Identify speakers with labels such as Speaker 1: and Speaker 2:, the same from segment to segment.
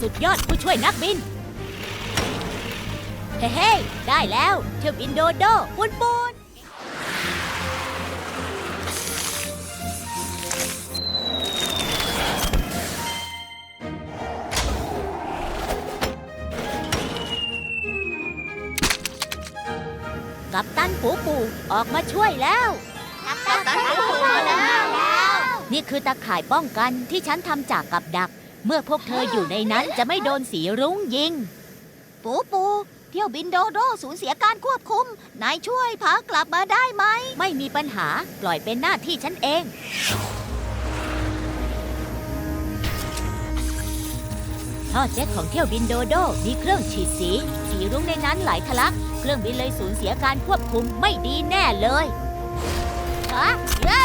Speaker 1: สุดยอดผู้ช่วยนักบินเฮ้ได้แล้วเที่ยวบินโดโดปูนกัปตันปูออกมาช่วยแล้วกัปตันปูมาแล้วนี่คือตะข่ายป้องกันที่ฉันทำจากกับดักเมื่อพวกเธออยู่ในนั้นจะไม่โดนสีรุ้งยิงปูเที่ยวบินโดโดสูญเสียการควบคุมนายช่วยพากลับมาได้ไหมไม่มีปัญหาปล่อยเป็นหน้าที่ฉันเองท่อเจ็ตของเที่ยวบินโดโดมีเครื่องฉีดสีรุ้งในนั้นไหลทะลักเครื่องบินเลยสูญเสียการควบคุมไม่ดีแน่เลยเย้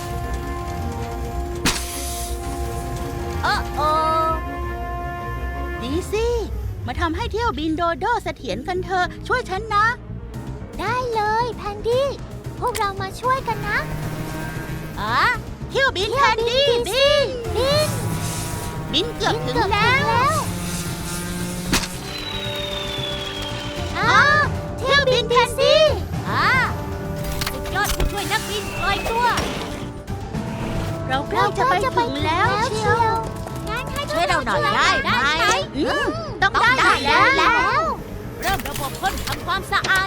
Speaker 1: โอ้
Speaker 2: ดีสิมาทำให้เที่ยวบินโดโดเสถียรกันเถอะช่วยฉันนะ
Speaker 3: ได้เลยแพนดี้พวกเรามาช่วยกันนะ
Speaker 2: เที่ยวบินแพนดี้บินเกือบถึงแล้วเที่ยวบินแพนดี้
Speaker 1: สุดยอดผู้ช่วยนักบินลอยตัว
Speaker 2: เราใกล้จะไปถึงแล้วเชียว
Speaker 1: ช่วยเราหน่อยได้ไหม
Speaker 2: ต้องได้แล้ว
Speaker 1: เริ่มระบบพ่นทำความสะอาด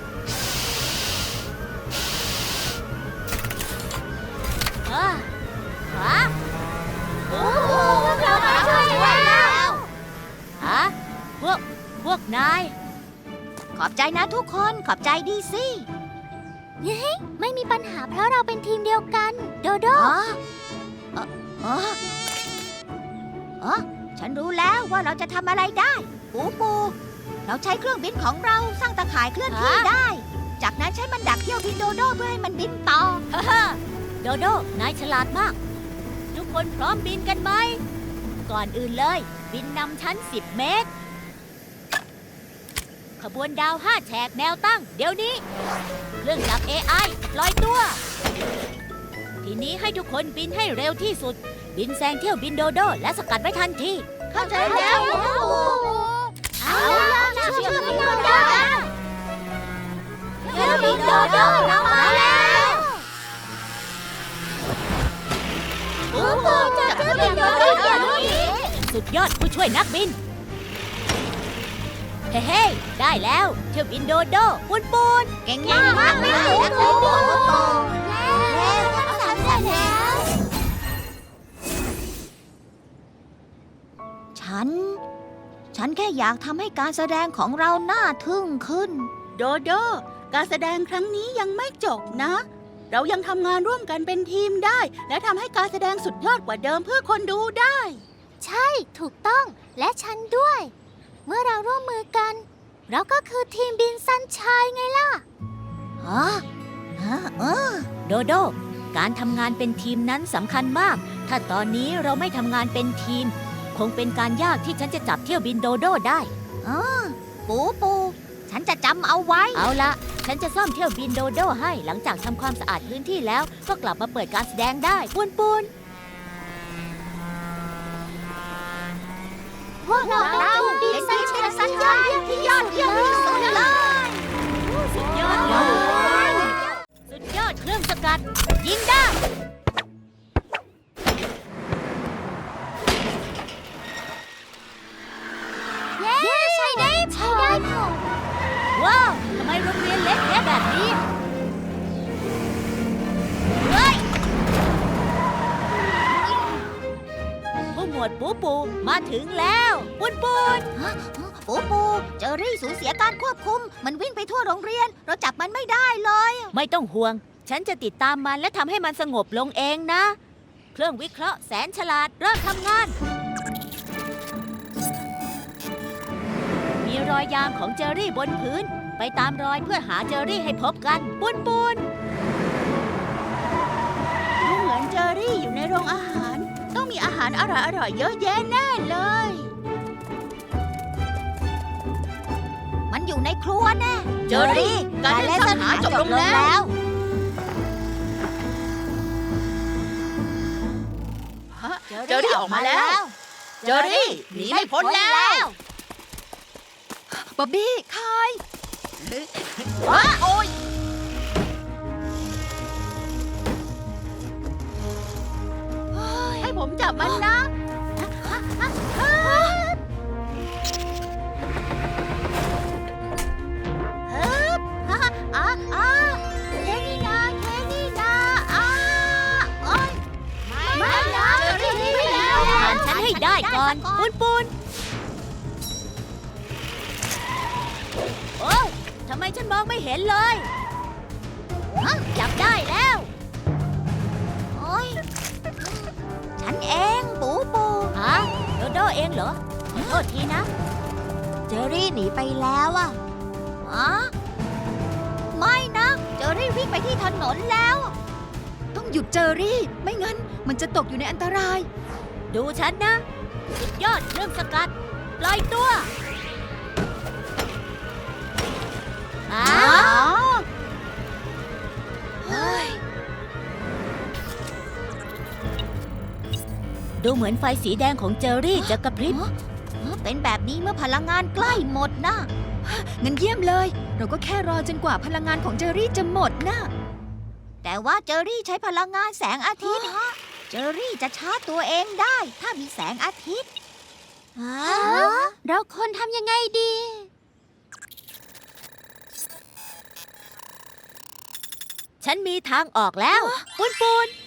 Speaker 3: เรามาช่วยแล้ว
Speaker 1: พวกนายขอบใจนะทุกคนขอบใจดีสิ
Speaker 3: ไม่มีปัญหาเพราะเราเป็นทีมเดียวกันโดโด
Speaker 1: ฉันรู้แล้วว่าเราจะทำอะไรได้ปูเราใช้เครื่องบินของเราสร้างตะข่ายเคลื่อนที่ได้จากนั้นใช้มันดักเที่ยวบินโดโดเพื่อให้มันบินต่อโดโดนายฉลาดมากทุกคนพร้อมบินกันไหมก่อนอื่นเลยบินนำชั้น10 เมตรขบวนดาว5 แฉกแนวตั้งเดี๋ยวนี้เครื่องจักร AI ลอยตัวทีนี้ให้ทุกคนบินให้เร็วที่สุดบินแซงเที่ยวบินโดโดและสกัดไว้ทันที
Speaker 2: เข้าใจแล้ว
Speaker 3: เอาล่ะช่วยบินโดโดเที่ยวบินโดโดเรามาแล้วจับเที่ยวบินโดโดอย่างนี้
Speaker 1: สุดยอดผู้ช่วยนักบินเฮ้ได้แล้วเที่ยวบินโดโดปูน
Speaker 3: เก่งมากเลยปูทำเสร็จแล้ว
Speaker 1: ฉันแค่อยากทำให้การแสดงของเราน่าทึ่งขึ้น
Speaker 2: โดโดการแสดงครั้งนี้ยังไม่จบนะเรายังทำงานร่วมกันเป็นทีมได้และทำให้การแสดงสุดยอดกว่าเดิมเพื่อคนดูได้
Speaker 3: ใช่ถูกต้องและฉันด้วยเมื่อเราร่วมมือกันเราก็คือทีมบินซันชัยไงล่ะ
Speaker 1: โดโดการทำงานเป็นทีมนั้นสำคัญมากถ้าตอนนี้เราไม่ทำงานเป็นทีมคงเป็นการยากที่ฉันจะจับเที่ยวบินโดโดได้ปูฉันจะจำเอาไว้เอาละฉันจะซ่อมเที่ยวบินโดโดให้หลังจากทำความสะอาดพื้นที่แล้วก็กลับมาเปิดการแสดงได้ปูน
Speaker 3: พวกเราบินซันชัยที่ยอดเยี่ยมที่สุดเลย
Speaker 1: สุดยอดเครื่องสกัดยิงได้
Speaker 3: ใช่ได้
Speaker 1: ว้าวทำไมโรงเรียนเล็กแค่แบบนี้ผู้หมวดปูมาถึงแล้วปูเจอรี่สูญเสียการควบคุมมันวิ่งไปทั่วโรงเรียนเราจับมันไม่ได้เลยไม่ต้องห่วงฉันจะติดตามมันและทำให้มันสงบลงเองนะเครื่องวิเคราะห์แสนฉลาดเริ่มทำงานมีรอยยางของเจอรี่บนพื้นไปตามรอยเพื่อหาเจอรี่ให้พบกันปูน
Speaker 2: ดูเหมือนเจอรี่อยู่ในโรงอาหารต้องมีอาหารอร่อยๆเยอะแยะแน่เลย
Speaker 1: มันอยู่ในครัวแน่
Speaker 2: เจอรี่การเล่นซ่อนหาจบลงแล้ว เจอรี่ออกมาแล้วเจอรี่หนีไม่พ้นแล้ว
Speaker 4: บ๊อบบี้คาย
Speaker 2: ว้าโอ้ยให้ผมจับมันนะแค่นี้นะแค่นี้นะโอ๊ยไม่นะเจอรี่หนีไปแล้ว
Speaker 1: ผ่านฉันให้ได้ก่อน ปูนปูนโอ้ทำไมฉันมองไม่เห็นเลยจับได้แล้ว
Speaker 3: โอ้ยฉันเองปูปู
Speaker 1: ฮะโดโดเองเหรอขอโทษทีนะ
Speaker 3: เจอรี่หนีไปแล้วอ่ะไม่นะเจอรี่วิ่งไปที่ถนนแล้ว
Speaker 4: ต้องหยุดเจอรี่ ไม่งั้นมันจะตกอยู่ในอันตราย
Speaker 1: ดูฉันนะ สุดยอดเครื่องสกัด ปล่อยตัวดูเหมือนไฟสีแดงของเจอรี่จะกระพริบ
Speaker 3: เป็นแบบนี้เมื่อพลังงานใกล้หมดนะ
Speaker 4: งั้นเยี่ยมเลย เราก็แค่รอจนกว่าพลังงานของเจอรี่จะหมดนะ
Speaker 3: แต่ว่าเจอรี่ใช้พลังงานแสงอาทิตย์ เจอรี่จะชาร์จตัวเองได้ ถ้ามีแสงอาทิตย์เราควรทำยังไงดี
Speaker 1: ฉันมีทางออกแล้วปูนปูน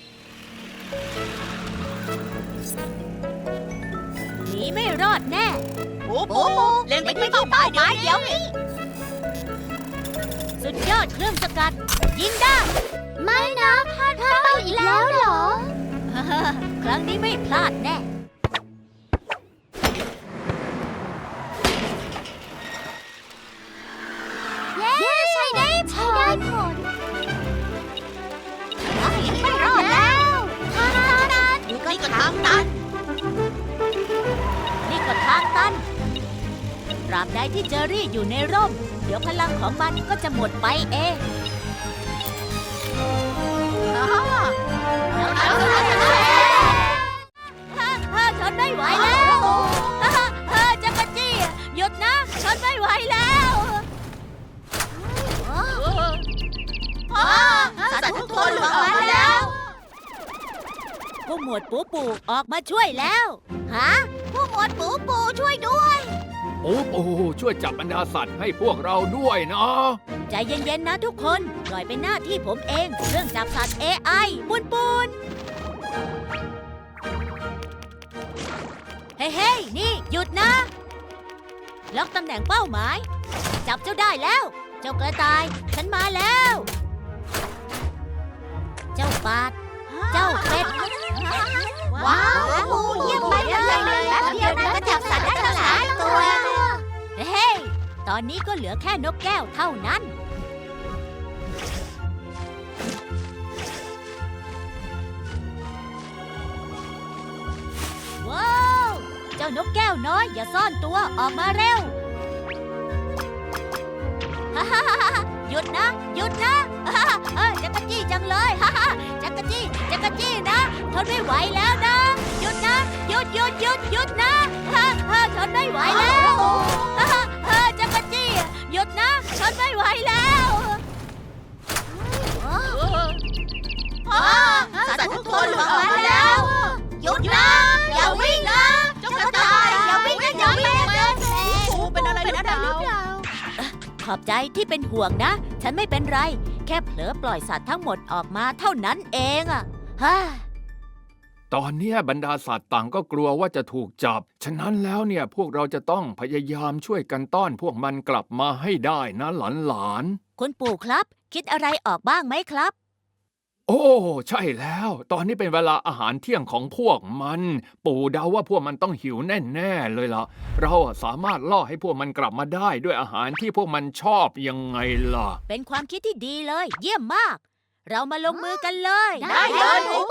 Speaker 1: หนีไม่รอดแน่
Speaker 2: ปูเล็งไปที่เป้าหมายเดี๋ยวนี้
Speaker 1: สุดยอดเครื่องสกัด ยิงได้
Speaker 3: ไม่นะพลาดไปอีกแล้วเหรอ
Speaker 1: ครั้งนี้ไม่พลาดแน่
Speaker 3: เย้ใช้ได้ผลไม่รอดแล้วทางตัน
Speaker 2: นี่ก็ทางตัน
Speaker 1: นี่ก็ทางตันตราบใดที่เจอรี่อยู่ในร่ม เดี๋ยวพลังของมันก็จะหมดไปเองทนไม่ไหวแล้วจักรจี้หยุดนะทนไม่ไหวแล้ว
Speaker 2: สัตว์ทุกคนหลุดออกมาแล้ว
Speaker 1: ผู้หมวดปูปูออกมาช่วยแล้วฮะ
Speaker 3: ผู้หมวดปูปูช่วยด้วย
Speaker 5: ปูปูช่วยจับบรรดาสัตว์ให้พวกเราด้วยนะ
Speaker 1: ใจเย็นๆนะทุกคนปล่อยเป็นหน้าที่ผมเองเรื่องจับสัตว์ AI ปูนปูนเฮ้ยนี่หยุดนะ ล็อกตำแหน่งเป้าหมาย จับเจ้าได้แล้ว เจ้ากระต่าย ฉันมาแล้ว เจ้าปาด เจ้าเป็ด
Speaker 3: ว้าวเยี่ยมไปเลยแป๊บเดียวนะก็จับสัตว์ได้ตั้งหลายตัว
Speaker 1: เฮ้ยตอนนี้ก็เหลือแค่นกแก้วเท่านั้น ว้าว เจ้านกแก้วน้อยอย่าซ่อนตัวออกมาเร็ว หยุดนะ หยุดนะจักรจี้จังเลยจักรจี้นะทนไม่ไหวแล้วนะ หยุดนะ หยุดนะทนไม่ไหวแล้วจักรจี้หยุดนะทนไม่ไหวแล้ว
Speaker 2: สัตว์ทุกคนหลุดออกมาแล้ว
Speaker 3: หยุดนะอย่าวิ่งนะเจ้ากระต่ายอย่าวิ่งนะอย่าวิ่งนะ
Speaker 2: ปูเป็นอะไรหรือเปล่า
Speaker 1: ขอบใจที่เป็นห่วงนะ ฉันไม่เป็นไร แค่เผลอปล่อยสัตว์ทั้งหมดออกมาเท่านั้นเองอะฮ่า
Speaker 5: ตอนเนี้ยบรรดาสัตว์ต่างก็กลัวว่าจะถูกจับ ฉะนั้นแล้วเนี่ยพวกเราจะต้องพยายามช่วยกันต้อนพวกมันกลับมาให้ได้นะหลาน
Speaker 1: คุณปู่ครับ คิดอะไรออกบ้างไหมครับ
Speaker 5: ๆโอ้ใช่แล้ว ตอนนี้เป็นเวลาอาหารเที่ยงของพวกมัน ปู่เดาว่าพวกมันต้องหิวแน่ๆเลยล่ะ เราสามารถล่อให้พวกมันกลับมาได้ด้วยอาหารที่พวกมันชอบยังไงล่ะ
Speaker 1: เป็นความคิดที่ดีเลย เยี่ยมมาก เรามาลงมือกันเลย
Speaker 2: ได้เลยปู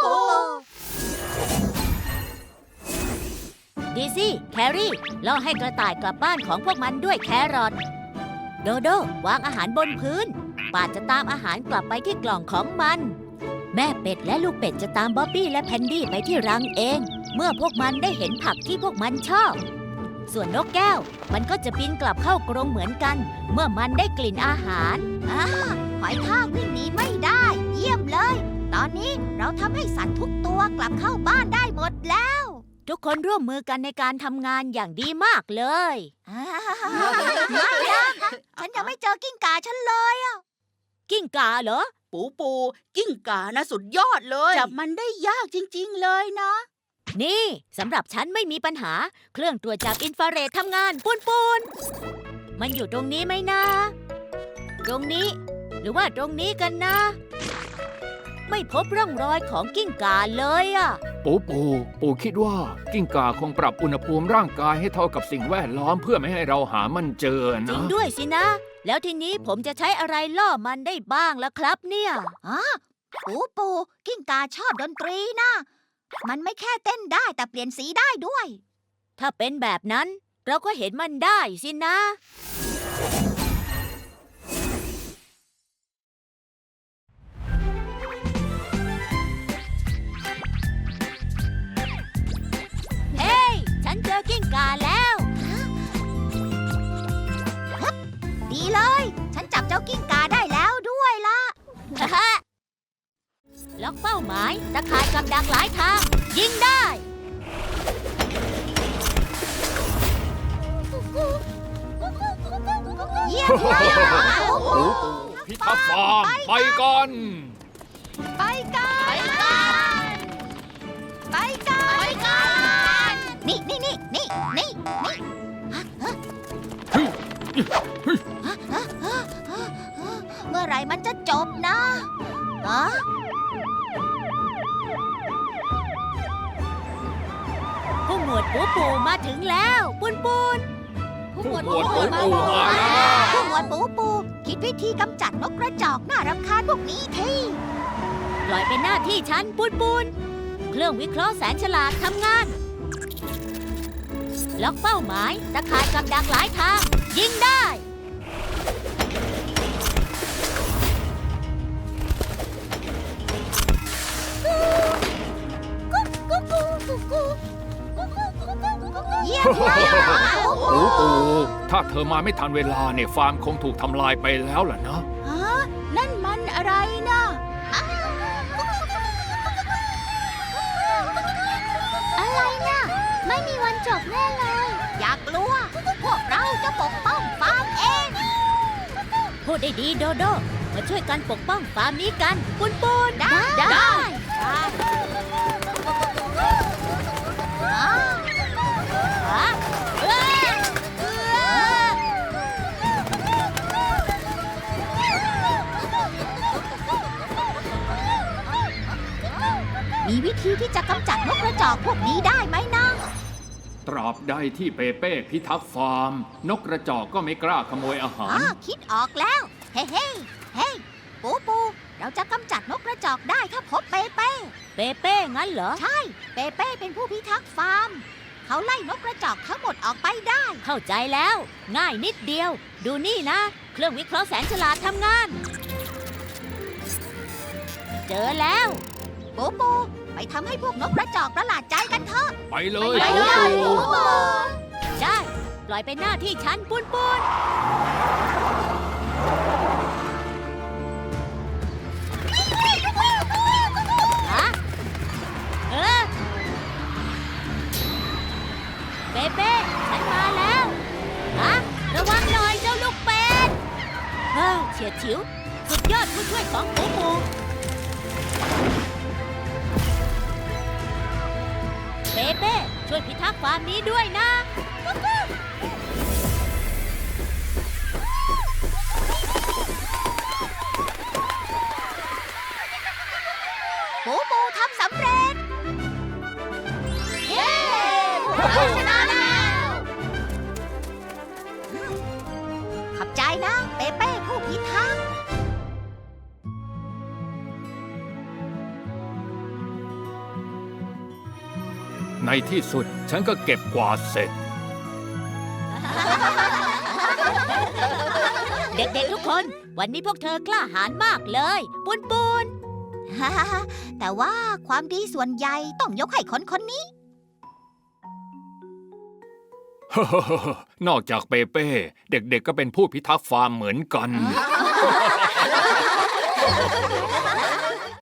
Speaker 1: ดีซี่แครี่ล่อให้กระต่ายกลับบ้านของพวกมันด้วยแครอทโดโดวางอาหารบนพื้นปาดจะตามอาหารกลับไปที่กล่องของมัน แม่เป็ดและลูกเป็ดจะตามบ๊อบบี้และแพนดี้ไปที่รังเองเมื่อพวกมันได้เห็นผักที่พวกมันชอบ ส่วนนกแก้วมันก็จะบินกลับเข้ากรงเหมือนกัน เมื่อมันได้กลิ่นอาหาร
Speaker 3: หอยทากวิ่งหนีไม่ได้ เยี่ยมเลย ตอนนี้เราทำให้สัตว์ทุกตัวกลับเข้าบ้านได้หมดแล้ว
Speaker 1: ทุกคนร่วมมือกันในการทำงานอย่างดีมากเลย
Speaker 3: ไม่นะฉันยังไม่เจอกิ้งก่าฉันเลยอะ
Speaker 1: กิ้งก่าเหรอ
Speaker 2: ปูปูกิ้งก่านะสุดยอดเลยจับมันได้ยากจริงๆเลยนะ
Speaker 1: นี่สำหรับฉันไม่มีปัญหา เครื่องตรวจจับอินฟราเรดทำงานปูนปูนมันอยู่ตรงนี้ไหมนะ ตรงนี้ หรือว่าตรงนี้กันนะ ไม่พบร่องรอยของกิ้งก่าเลยอะ
Speaker 5: ปู่คิดว่ากิ้งก่าคงปรับอุณหภูมิร่างกายให้เท่ากับสิ่งแวดล้อมเพื่อไม่ให้เราหามันเจอ
Speaker 1: จริ
Speaker 5: นะ
Speaker 1: งด้วยสินะ แล้วทีนี้ผมจะใช้อะไรล่อมันได้บ้างล่ะครับเนี่ย
Speaker 3: ปูกิ้งก่าชอบดนตรีนะ มันไม่แค่เต้นได้แต่เปลี่ยนสีได้ด้วย
Speaker 1: ถ้าเป็นแบบนั้นเราก็เห็นมันได้สินะ เฮ้ย ฉันเจอกิ้งก่าแล้ว
Speaker 3: ดีเลย ฉันจับเจ้ากิ้งก่าได้แล้วด้วยล่ะ
Speaker 1: ล็อกเป้าหมายตะข่ายกับดักหลายทาง ยิงได้
Speaker 3: เยี่ยมมาก
Speaker 5: พิทักษ์ฟาร์มไปก่อน
Speaker 3: ไปกัน ไปกัน นี่เมื่อไหร่มันจะจบนะฮะ
Speaker 1: ผู้หมวดปูปูมาถึงแล้วปุนปูน
Speaker 5: ผู้หมวดปูปูมาแล้ว
Speaker 3: ผู้หมวดปูคิดวิธีกำจัดนกกระจอกน่ารำคาญพวกนี้ที
Speaker 1: ปล่อยเป็นหน้าที่ฉันปุนปูนเครื่องวิเคราะห์แสนฉลาดทำงาน ล็อกเป้าหมายตะข่ายกับดักหลายทาง ยิงได้
Speaker 3: เยี่ยมมาก
Speaker 5: ถ้าเธอมาไม่ทันเวลาเนี่ยฟาร์มคงถูกทำลายไปแล้วล่ะนะ
Speaker 2: ฮะ นั่นมันอะไรนะ
Speaker 3: อะไรน่ะ ไม่มีวันจบแน่เลย อย่ากลัว พวกเราจะปกป้องฟาร์มเอง
Speaker 1: พูดได้ดีโดโด มาช่วยกันปกป้องฟาร์มนี้กันปุนปูน
Speaker 3: ได้
Speaker 1: ฮะเอ้ยเอ้ย
Speaker 3: มีวิธีที่จะกำจัดนกกระจอกพวกนี้ได้ไหมนะ
Speaker 5: ตราบใดที่เปเป้พิทักษ์ฟาร์ม นกกระจอกก็ไม่กล้าขโมยอาหาร
Speaker 3: คิดออกแล้ว เฮ้ปู เราจะกำจัดนกกระจอกได้ถ้าพบเปเป้
Speaker 1: เปเป้งั้นเหรอ
Speaker 3: ใช่ เปเป้เป็นผู้พิทักษ์ฟาร์ม เขาไล่นกกระจอกทั้งหมดออกไปได้
Speaker 1: เข้าใจแล้ว ง่ายนิดเดียว ดูนี่นะ เครื่องวิเคราะห์แสนฉลาดทำงาน เจอแล้ว
Speaker 3: ปู ไปทำให้พวกนกกระจอกประหลาดใจกันเถอะ
Speaker 5: ไปเลย
Speaker 3: ไปเลย
Speaker 5: ปู่
Speaker 1: ได้ ปล่อยเป็นหน้าที่ฉันปุนปูนฮะเปเป้ฉันมาแล้วฮะระวังหน่อยเจ้าลูกเป็ดเฉียดฉิว สุดยอดผู้ช่วยของปูปูเปเป้ช่วยพิทักษ์ฟาร์มนี้ด้วยนะ
Speaker 3: ปูทำสำเร็จ เย้พวกเราชนะแล้ว ขอบใจนะ เปเป้ผู้พิทักษ์
Speaker 5: ในที่สุดฉันก็เก็บกวาดเสร็จ
Speaker 1: เด็กๆทุกคน วันนี้พวกเธอกล้าหาญมากเลย ปุน
Speaker 3: แต่ว่าความดีส่วนใหญ่ต้องยกให้คนนี้
Speaker 5: นอกจากเปเป้ เด็กๆก็เป็นผู้พิทักษ์ฟาร์มเหมือนกัน